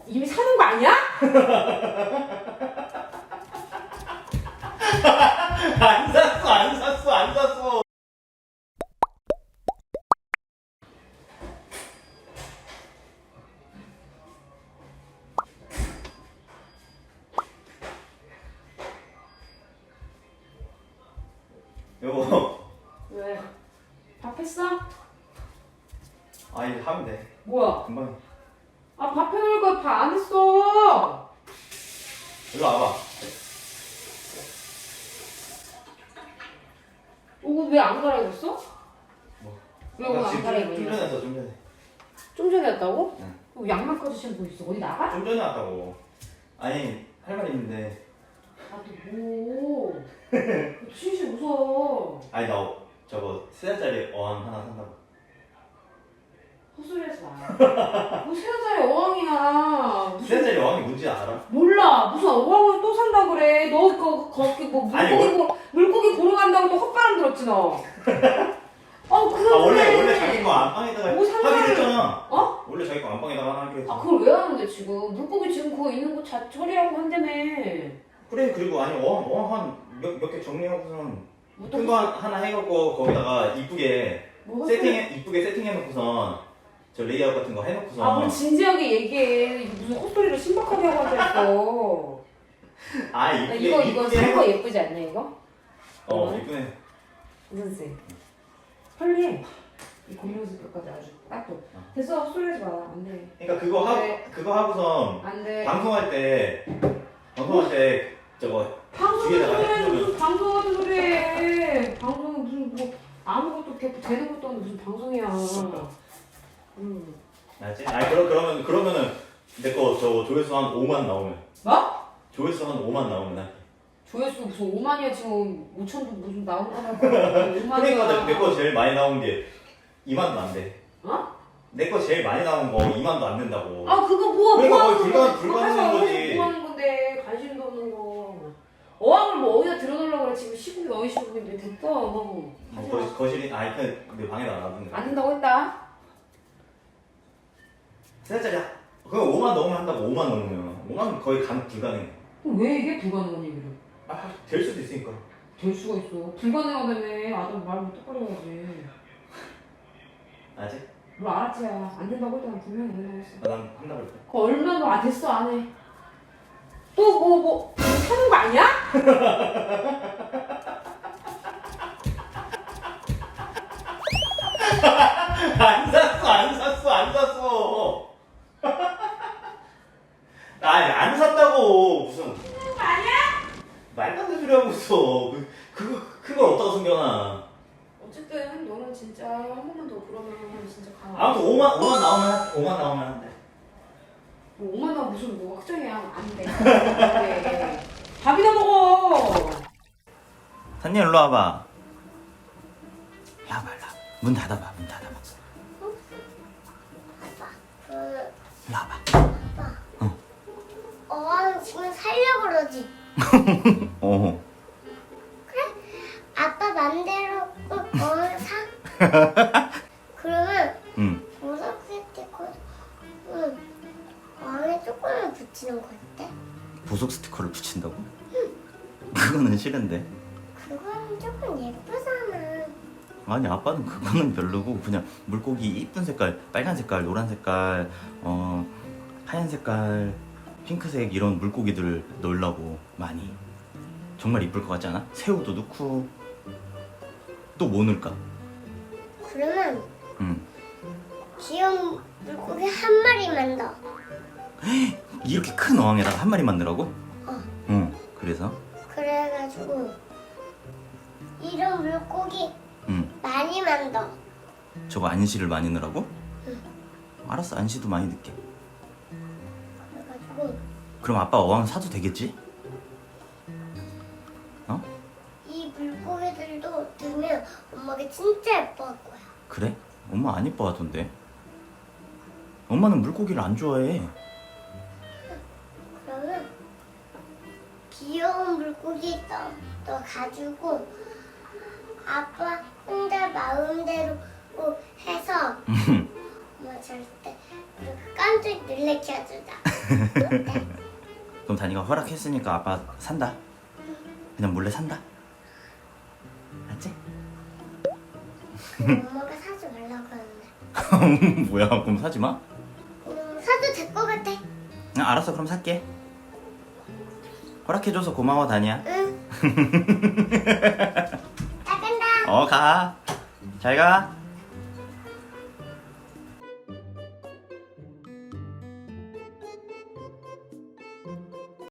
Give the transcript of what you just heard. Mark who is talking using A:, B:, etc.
A: 이미 사는 거 아니야?
B: 안 샀어, 안 샀어, 안 샀어. 여보.
A: 왜? 밥 했어?
B: 아, 이제 하면 돼.
A: 뭐야?
B: 금방.
A: 아, 밥 해놓을 거야. 밥 안 했어.
B: 일로 와봐.
A: 옷 왜 안 갈아입었어?
B: 뭐?
A: 왜 오늘 안 갈아입었냐?
B: 좀 전에 왔어, 좀 전에.
A: 좀 전에 왔다고?
B: 응.
A: 그럼 양말까지 신고 있어. 어디 나가?
B: 좀 전에 왔다고. 아니, 할 말 있는데.
A: 아, 또 뭐? 진실 무서워.
B: 아니, 나 저거 3살짜리 어항 하나 산다고.
A: 헛소리하지 마. 뭐 3살짜리 어항이야.
B: 3살짜리 어항이 뭔지 알아?
A: 몰라. 무슨 어항을 또 산다 그래. 너 거기 뭐 물고기 보러 간다고 또 헛바람 들었지 너. 그래.
B: 아, 원래 자기 거 안방에다가
A: 뭐 산다고
B: 하기로 했잖아.
A: 어?
B: 원래 자기 거 안방에다가 하기로 했잖아.
A: 아, 그걸 왜 하는데 지금? 물고기 지금 그거 있는 거 처리하고 한다며.
B: 그래, 그리고 아니 어항 한 몇 개 정리하고선
A: 뭐
B: 큰 거 하나 해갖고 거기다가 이쁘게
A: 뭐
B: 이쁘게 세팅해놓고선 저 레이아웃 같은 거 해놓고선.
A: 아, 뭘 진지하게 얘기해. 무슨 헛소리를 신박하게 하고 앉아있어.
B: 아,
A: 야,
B: 이쁘게
A: 이거
B: 이쁘게
A: 산거 예쁘지 않냐 이거?
B: 이쁘네.
A: 선생 빨리 해. 이 고무줄까지 아주 딱 줘. 됐어, 헛소리하지 마. 안 돼.
B: 그러니까
A: 네.
B: 그거 하고선
A: 안 돼.
B: 방송할 때 저거
A: 방송
B: 뒤에다가
A: 소리 해.
B: 해주면.
A: 무슨 방송 같은 소리 해. 방송은 무슨 뭐 아무것도 되는 것도 없는 무슨 방송이야.
B: 알지? 아니 그러면은 내 거 저 조회수 한 5만 나오면.
A: 뭐?
B: 조회수 한 5만 나오면 나.
A: 조회수 무슨 5만이야 지금 5천도 무슨 나온 거만 5만이야.
B: 그러니까 내 거 제일 많이 나온 게 2만도 안 돼.
A: 어?
B: 내 거 제일 많이 나온 거 2만도 안 된다고.
A: 아, 그거 뭐
B: 그러니까
A: 하는
B: 거의
A: 건데?
B: 불가능한
A: 그거
B: 거지.
A: 뭐 하는 건데? 관심도 없는 거. 어항을 뭐 어디다 들어놓으려고 그래. 지금 시국이 어디 시국인데 됐다. 하지 마.
B: 거실이 내 방에다 놔두는 거야.
A: 안 된다고 했다.
B: 3살짜리 그거 5만 넘으면 한다고. 5만 넘으면 5만 거의 불가능해.
A: 그럼 왜 이게 불가능한 얘기를?
B: 될 수도 있으니까.
A: 될 수가 있어. 불가능하다며. 아들 말을 똑바로 해야지.
B: 알지?
A: 뭘 알았지? 안 된다고 했잖아. 분명히 안 된다고 했어.
B: 난 한다고 했어.
A: 그거 얼마나 됐어 안 해. 또 뭐 사는 거 아니야?
B: 안 샀어. 아니 안 샀다고. 무슨
A: 사는 거 아니야?
B: 말도 안 되는 소리 하고 있어. 그걸 어디다가 숨겨놔.
A: 어쨌든 너는 진짜 한 번만 더 그러면 진짜 가.
B: 아무튼 5만 나오면 한대.
A: 뭐 5만 원 무슨 뭐 확정이야. 안 돼. 안 돼. 밥이나 먹어.
B: 산님 일로 와봐. 야 말라. 문 닫아봐. 일로 와봐.
C: 어항 지금 살려고 그러지.
B: 어.
C: 그래? 아빠 맘대로 어항 사? 그러면 보석 스티커 어항에 조금만 붙이는 거 어때?
B: 보석 스티커를 붙인다고? 그거는 싫은데.
C: 그거는 조금 예쁘잖아.
B: 아니 아빠는 그거는 별로고 그냥 물고기 이쁜 색깔, 빨간 색깔, 노란 색깔, 하얀 색깔, 핑크색 이런 물고기들을 넣으려고 많이. 정말 이쁠 것 같지 않아? 새우도 넣고. 또 뭐 넣을까?
C: 그러면
B: 응.
C: 귀여운 물고기 한 마리만 더.
B: 이렇게 큰 어항에다가 한 마리만 넣으라고?
C: 어.
B: 응. 그래서?
C: 그래가지고 이런 물고기 많이만 더.
B: 저거 안시를 많이 넣으라고?
C: 응.
B: 알았어, 안시도 많이 넣게.
C: 그래가지고
B: 그럼 아빠 어항 사도 되겠지? 어?
C: 이 물고기들도 들면 엄마가 진짜 예뻐할 거야.
B: 그래? 엄마 안 이뻐 하던데. 엄마는 물고기를 안 좋아해.
C: 그러면 귀여운 물고기 너 가지고 아빠 혼자 마음대로 해서 엄마 절대 그렇게 깜짝 놀래켜 주자.
B: 그럼 다니가 허락했으니까 아빠 산다. 그냥 몰래 산다. 알지?
C: 엄마가 사지 말라고 하는데.
B: 뭐야? 그럼 사지 마.
C: 사도 될 것 같아.
B: 알았어, 그럼 살게. 허락해줘서 고마워, 다니야.
C: 응. 나 간다.
B: 가. 잘 가.